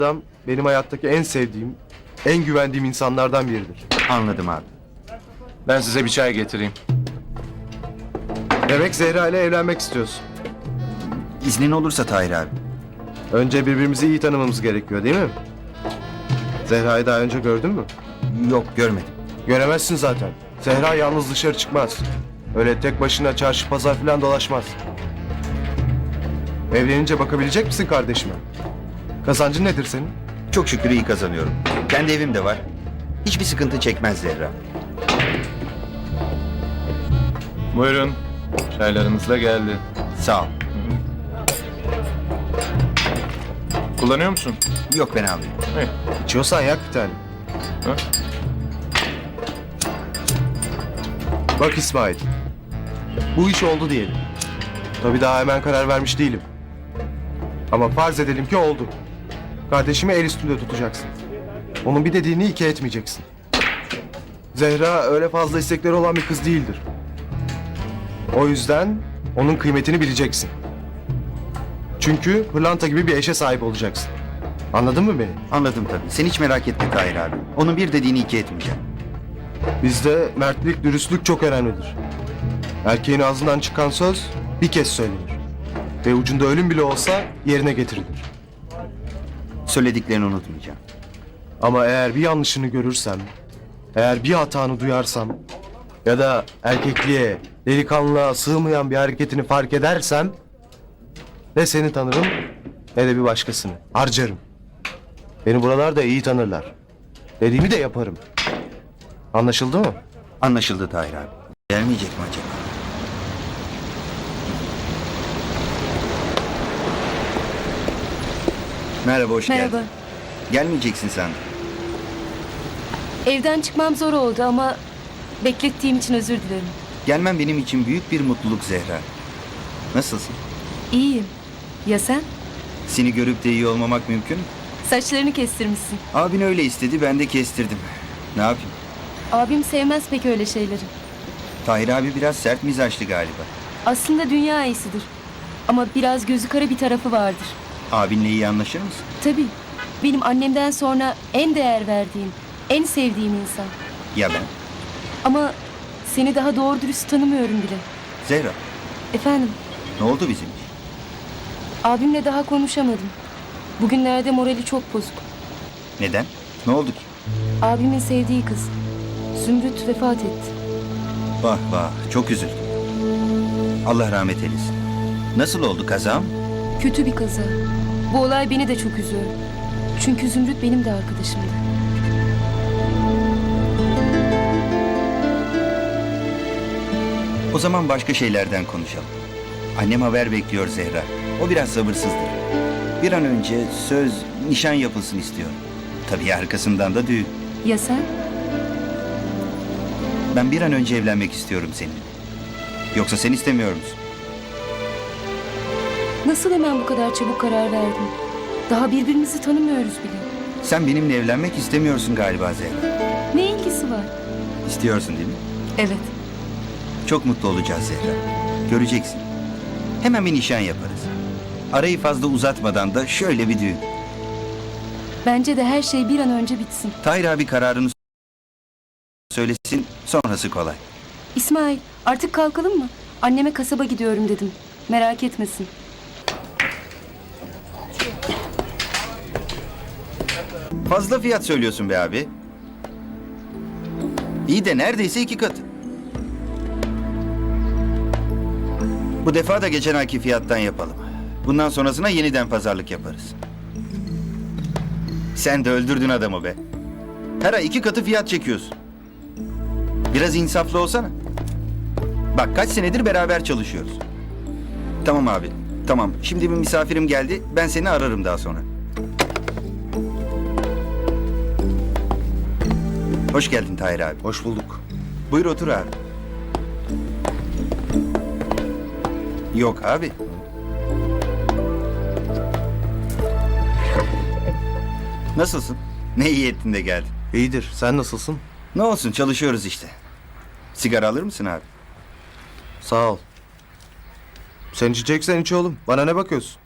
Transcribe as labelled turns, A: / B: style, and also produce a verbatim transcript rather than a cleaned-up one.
A: adam benim hayattaki en sevdiğim, en güvendiğim insanlardan biridir.
B: Anladım abi.
C: Ben size bir çay getireyim.
A: Demek Zehra ile evlenmek istiyorsun.
B: İznin olursa Tahir abi.
A: Önce birbirimizi iyi tanımamız gerekiyor değil mi? Zehra'yı daha önce gördün mü?
B: Yok, görmedim.
A: Göremezsin zaten. Zehra yalnız dışarı çıkmaz. Öyle tek başına çarşı pazar falan dolaşmaz. Evlenince bakabilecek misin kardeşime? Kazancın nedir senin?
B: Çok şükür iyi kazanıyorum. Kendi evim de var. Hiçbir sıkıntı çekmez Zehra.
C: Buyurun. Çaylarınız da geldi.
B: Sağ ol.
C: Kullanıyor musun?
B: Yok, ben almayayım.
C: İyi.
A: İçiyorsan yak bir tane.
C: Ha?
A: Bak İsmail. Bu iş oldu diyelim. Tabii daha hemen karar vermiş değilim. Ama farz edelim ki oldu. Kardeşimi el üstünde tutacaksın. Onun bir dediğini iki etmeyeceksin. Zehra öyle fazla istekleri olan bir kız değildir. O yüzden onun kıymetini bileceksin. Çünkü pırlanta gibi bir eşe sahip olacaksın. Anladın mı beni?
B: Anladım tabii. Sen hiç merak etme Tahir abi. Onun bir dediğini iki etmeyeceğim.
A: Bizde mertlik, dürüstlük çok önemlidir. Erkeğin ağzından çıkan söz bir kez söylenir. Ve ucunda ölüm bile olsa yerine getirilir.
B: Söylediklerini unutmayacağım.
A: Ama eğer bir yanlışını görürsem, eğer bir hatanı duyarsam ya da erkekliğe, delikanlılığa sığmayan bir hareketini fark edersem ne seni tanırım ne de bir başkasını. Harcarım. Beni buralarda iyi tanırlar. Dediğimi de yaparım. Anlaşıldı mı?
B: Anlaşıldı Tahir abi. Gelmeyecek mi acaba? Merhaba, hoş
D: Merhaba.
B: geldin. Gelmeyeceksin sandım.
D: Evden çıkmam zor oldu ama beklettiğim için özür dilerim.
B: Gelmen benim için büyük bir mutluluk Zehra. Nasılsın?
D: İyiyim. Ya sen?
B: Seni görüp de iyi olmamak mümkün mü?
D: Saçlarını kestirmişsin.
B: Abin öyle istedi, ben de kestirdim. Ne yapayım?
D: Abim sevmez pek öyle şeyleri.
B: Tahir abi biraz sert mizaçlı galiba.
D: Aslında dünya iyisidir. Ama biraz gözü kara bir tarafı vardır.
B: Abinle iyi anlaşır mısın?
D: Tabii. Benim annemden sonra en değer verdiğim, en sevdiğim insan.
B: Ya ben?
D: Ama seni daha doğru dürüst tanımıyorum bile.
B: Zehra,
D: Efendim,
B: ne oldu bizim iş?
D: abimle daha konuşamadım. Bugünlerde morali çok bozuk.
B: Neden? Ne oldu ki?
D: Abimin sevdiği kız. Zümrüt vefat etti.
B: Vah vah, çok üzüldüm. Allah rahmet eylesin. Nasıl oldu kazam?
D: Kötü bir kaza. Bu olay beni de çok üzüyor. Çünkü Zümrüt benim de arkadaşımdı.
B: O zaman başka şeylerden konuşalım. Annem haber bekliyor Zehra. O biraz sabırsızdır. Bir an önce söz, nişan yapılsın istiyor. Tabii arkasından da düğün.
D: Ya sen?
B: Ben bir an önce evlenmek istiyorum seninle. Yoksa sen istemiyor musun?
D: Nasıl hemen bu kadar çabuk karar verdin? Daha birbirimizi tanımıyoruz bile.
B: Sen benimle evlenmek istemiyorsun galiba Zehra.
D: Ne ilgisi var?
B: İstiyorsun değil mi?
D: Evet.
B: Çok mutlu olacağız Zehra. Göreceksin. Hemen bir nişan yaparız. Arayı fazla uzatmadan da şöyle bir düğün.
D: Bence de her şey bir an önce bitsin.
B: Tahir abi kararını söylesin, sonrası kolay.
D: İsmail, artık kalkalım mı? Anneme kasaba gidiyorum dedim. Merak etmesin.
B: Fazla fiyat söylüyorsun be abi. İyi de neredeyse iki katı. Bu defa da geçen ayki fiyattan yapalım. Bundan sonrasına yeniden pazarlık yaparız. Sen de öldürdün adamı be. Her ay iki katı fiyat çekiyorsun. Biraz insaflı olsana. Bak kaç senedir beraber çalışıyoruz. Tamam abi, tamam. Şimdi bir misafirim geldi. Ben seni ararım daha sonra. Hoş geldin Tahir abi.
A: Hoş bulduk.
B: Buyur otur abi. Yok abi. Nasılsın? Ne iyi ettin de geldin.
A: İyidir. Sen nasılsın?
B: Ne olsun çalışıyoruz işte. Sigara alır mısın abi?
A: Sağ ol. Sen içeceksen iç oğlum. Bana ne bakıyorsun?